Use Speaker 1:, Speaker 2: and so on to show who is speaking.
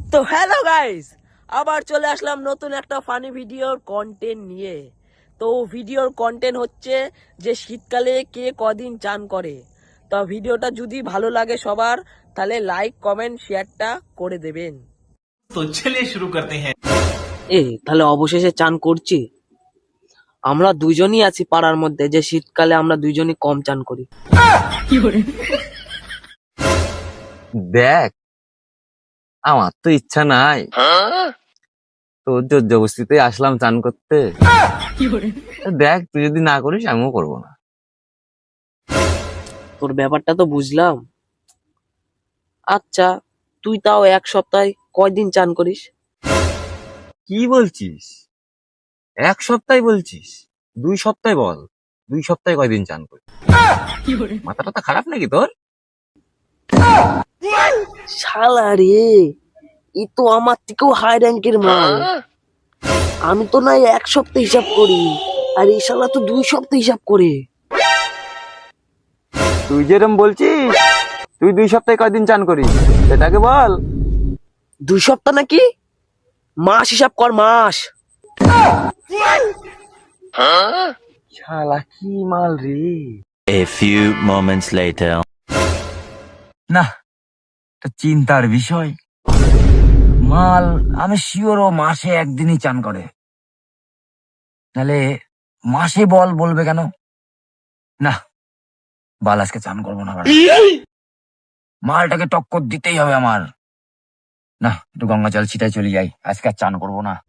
Speaker 1: তো hello guys, আবার চলে আসলাম নতুন একটা ফানি ভিডিওর কন্টেন্ট নিয়ে। তো ভিডিওর কন্টেন্ট হচ্ছে যে শীতকালে কে কদিন চান করে। তো ভিডিওটা যদি ভালো লাগে সবার, তাহলে লাইক কমেন্ট শেয়ারটা করে দেবেন।
Speaker 2: तो चलिए शुरू करते हैं।
Speaker 1: তাহলে অবশেষে চান করছি। আমরা দুইজনই আছি পাড়ার মধ্যে যে শীতকালে আমরা দুইজনই কম চান করি।
Speaker 3: দেখ, আমার তো ইচ্ছা নাই, তোর জোর জবরদস্তিতে আসলাম চান করতে। দেখ, তুই যদি না করিস আমিও করবো না।
Speaker 1: তোর ব্যাপারটা তো বুঝলাম। আচ্ছা, তুই তাও এক সপ্তাহে কয়দিন চান করিস?
Speaker 3: কি বলছিস? এক সপ্তাহ বলছিস? 2 সপ্তাহ বল, 2 সপ্তাহে কয়দিন চান করি? মাথাটা তো খারাপ নাকি তোর?
Speaker 1: শালা রে, ই তো আমার থেকেও হাই র্যাঙ্কের মাল। আমি তো নাই এক সপ্তাহ হিসাব করি, আর এই শালা তো 2 সপ্তাহ হিসাব করে।
Speaker 3: তুই যেরকম বলছিস, তুই 2 সপ্তাহে কয়দিন চান করিস সেটাকে বল।
Speaker 1: 2 সপ্তাহ নাকি? মাস হিসাব কর, মাস।
Speaker 3: শালা কি মাল রে!
Speaker 4: A few moments later.
Speaker 5: না, এটা চিন্তার বিষয়। মাল আমি শিওর ও মাসে একদিনই চান করে, নাহলে মাসে বলবে কেন? না, বাল আজকে চান করবো না। মালটাকে টক্কর দিতেই হবে আমার। না, একটু গঙ্গা জল ছিটাই চলে যাই, আজকে আর চান করবো না।